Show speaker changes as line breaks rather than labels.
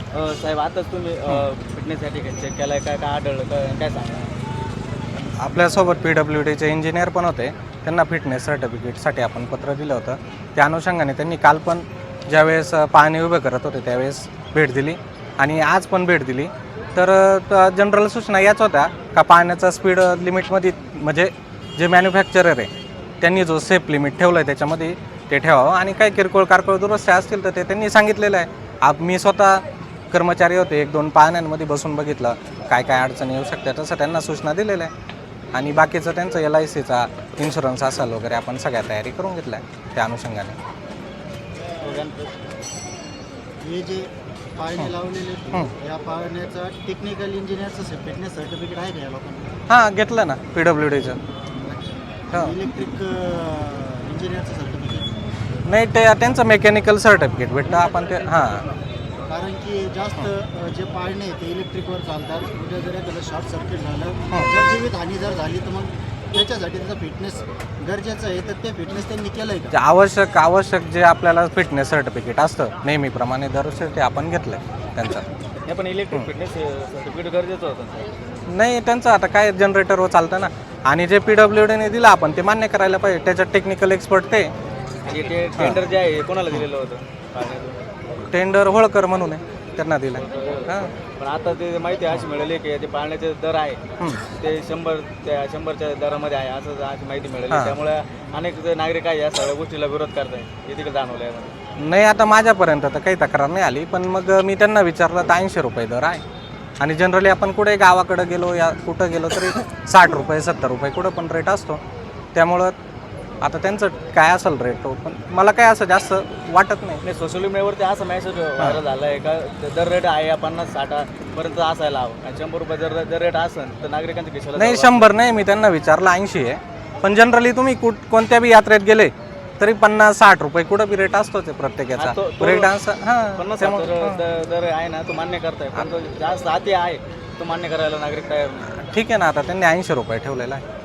साहेब आताच तुम्ही फिटनेससाठी चेक केलाय, काय काय आढळलं, काय सांगा?
आपल्यासोबत PWDचे इंजिनियर पण होते, त्यांना फिटनेस सर्टिफिकेटसाठी आपण पत्र दिलं होतं. त्या अनुषंगाने त्यांनी काल पण ज्यावेळेस पाहणी उभे करत होते त्यावेळेस भेट दिली आणि आज पण भेट दिली. तर जनरल सूचना याच होत्या का पाण्याचा स्पीड लिमिटमध्ये म्हणजे जे मॅन्युफॅक्चरर आहे त्यांनी जो सेफ लिमिट ठेवलं आहे त्याच्यामध्ये ते ठेवावं आणि काही किरकोळ कारकोळ दुरुस्त्या असतील तर ते त्यांनी सांगितलेलं आहे. मी स्वतः कर्मचारी होते, 1-2 पाहण्यांमध्ये बसून बघितलं काय काय अडचणी येऊ शकतात तसं त्यांना सूचना दिलेल्या आहे आणि बाकीचं त्यांचं LICचा इन्शुरन्स असेल वगैरे आपण सगळ्या तयारी करून घेतला आहे त्या अनुषंगाने.
हे जे पाळणे लावलेले या पाळण्याचा टेक्निकल इंजिनियरचं फिटनेस सर्टिफिकेट आहे का या लोकांना?
हां घेतलं ना PWDचं. हां
इलेक्ट्रिक इंजिनियरचं सर्टिफिकेट
नाही ते त्यांचं मेकॅनिकल सर्टिफिकेट भेटतं आपण ते हां.
कारण की जास्त जे पाळणे आहेत ते इलेक्ट्रिकवर चालतात. उद्या जर एखादं शॉर्ट सर्किट झालं, जर जीवितहानी जर झाली तर मग त्याच्यासाठी त्याचं फिटनेस गरजेचं आहे. तर ते फिटनेस त्यांनी केलं आहे का?
आवश्यक जे आपल्याला फिटनेस सर्टिफिकेट असतं नेहमीप्रमाणे दरवर्षी ते आपण घेतलं आहे त्यांचं.
हे पण इलेक्ट्रिक फिटनेस सर्टिफिकेट गरजेचं होतं.
नाही त्यांचं आता काय जनरेटरवर चालतं ना आणि जे PWDने दिलं आपण ते मान्य करायला पाहिजे. त्याच्यात टेक्निकल एक्सपर्ट ते
आणि ते टेंडर जे आहे कोणाला दिलेलं होतं पाळण्याचं?
टेंडर होळकर म्हणून आहे त्यांना दिलं. हां
पण आता ते माहिती अशी मिळाली की ते पाळण्याचे दर आहे ते 100च्या दरामध्ये आहे असं अशी माहिती मिळाली. त्यामुळे अनेक नागरिक आहे या सगळ्या गोष्टीला विरोध करताय, हे तिकडे जाणवलं आहे.
नाही आता माझ्यापर्यंत तर काही तक्रार नाही आली, पण मग मी त्यांना विचारलं तर 80 रुपये दर आहे आणि जनरली आपण कुठे गावाकडे गेलो या कुठं गेलो तरी 60 रुपये 70 रुपये कुठं पण रेट असतो. त्यामुळं आता त्यांचं काय असेल रेट तो पण मला काय असं जास्त वाटत नाही.
सोशल मीडियावरती असा मेसेज व्हायरल झाला आहे का दर रेट आहे 50-60 पर्यंत असायला हवं आणि 100 रुपये जर रेट असेल तर नागरिकांच्या खिशाला
नाही 100 नाही, मी त्यांना विचारलं 80 आहे. पण जनरली तुम्ही कोणत्या बी यात्रेत गेले तरी 50-60 रुपये कुठं बी रेट असतो ते प्रत्येकाचा ब्रेक डान्स. हां
50 दर आहे ना तो मान्य करताय, पण तो जास्त आधी आहे तो मान्य करायला नागरिक तयार नाही.
ठीक आहे ना, आता त्यांनी 80 रुपये ठेवलेला आहे.